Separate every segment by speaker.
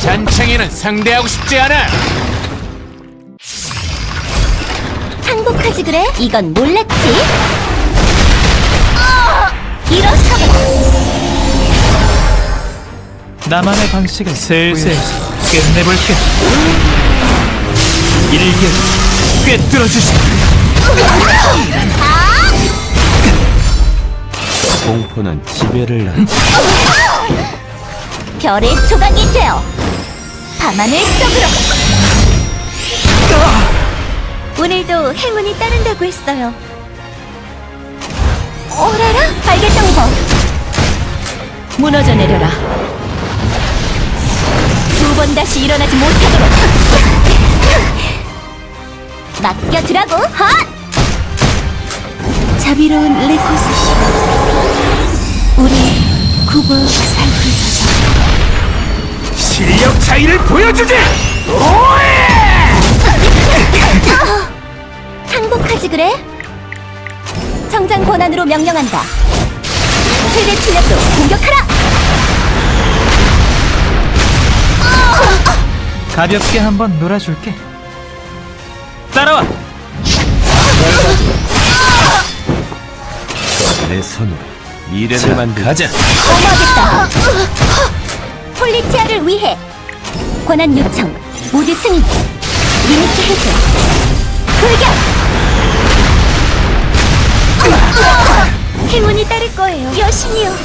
Speaker 1: 잔챙이는 상대하고 싶지 않아.
Speaker 2: 항복하지 그래? 이건 몰랐지? 일어서라!
Speaker 3: 나만의 방식을 슬슬 끝내볼게. 일개 꿰뚫어주지.
Speaker 4: 공포는 지배를 낳지.
Speaker 2: 별의 조각이 되어 밤하늘 속으로. 오늘도 행운이 따른다고 했어요. 오라라 발개정보. 무너져 내려라. 두 번 다시 일어나지 못하도록. 맡겨두라고. 헛! 자비로운 레코스 씨, 우리 굽어 살피소서.
Speaker 1: 실력 차이를 보여주지.
Speaker 2: 항복하지 그래? 정장 권한으로 명령한다. 최대 출력도 공격하라.
Speaker 3: 가볍게 한번 놀아줄게. 따라와.
Speaker 4: 내 손으로 미래를 만들자.
Speaker 1: 가자.
Speaker 2: 어머하겠다. 폴리티아를 위해 권한 요청 모두 승인. 리미트 해제. 돌격. 행운이 따를 거예요. 여신이요.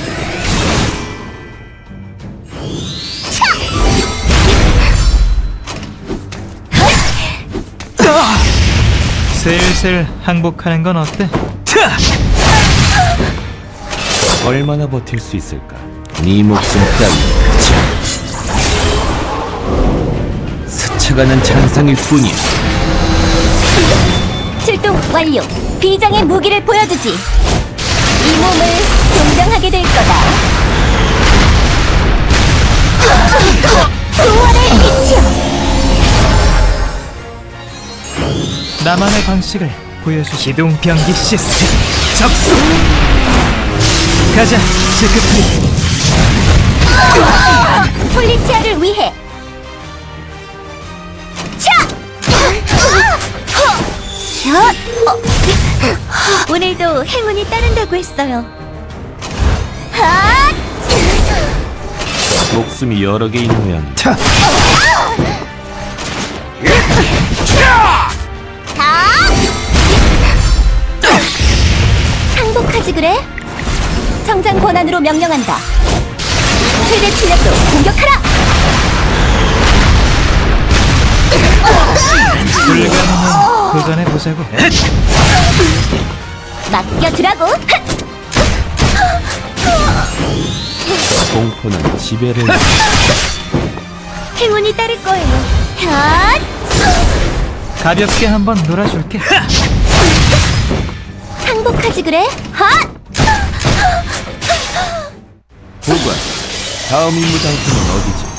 Speaker 3: 슬슬 항복하는 건 어때?
Speaker 4: 얼마나 버틸 수 있을까? 네 목숨 따위 스쳐가는 잔상일 뿐이야.
Speaker 2: 출동 완료. 비장의 무기를 보여주지. 이 몸을 동정하게 될 거다. 부활의 빛이여.
Speaker 3: 나만의 방식을 보여주. 기동 병기 시스템 접수. 가자, 지크프리.
Speaker 2: 폴리티아를 위해. 차! 오늘도 행운이 따른다고 했어요. 핫!
Speaker 4: 목숨이 여러 개인 모양이다.
Speaker 2: 항복하지 그래? 정장 권한으로 명령한다. 최대 출력도 공격하라.
Speaker 3: 불가능은 도전해보자고.
Speaker 2: 맡겨두라고.
Speaker 4: 공포는 지배를 낳지.
Speaker 2: 행운이 따를 거예요. 핫!
Speaker 3: 가볍게 한번 놀아줄게.
Speaker 2: 항복하지 그래? 핫!
Speaker 4: 보관. 다음 임무 장소는 어디지?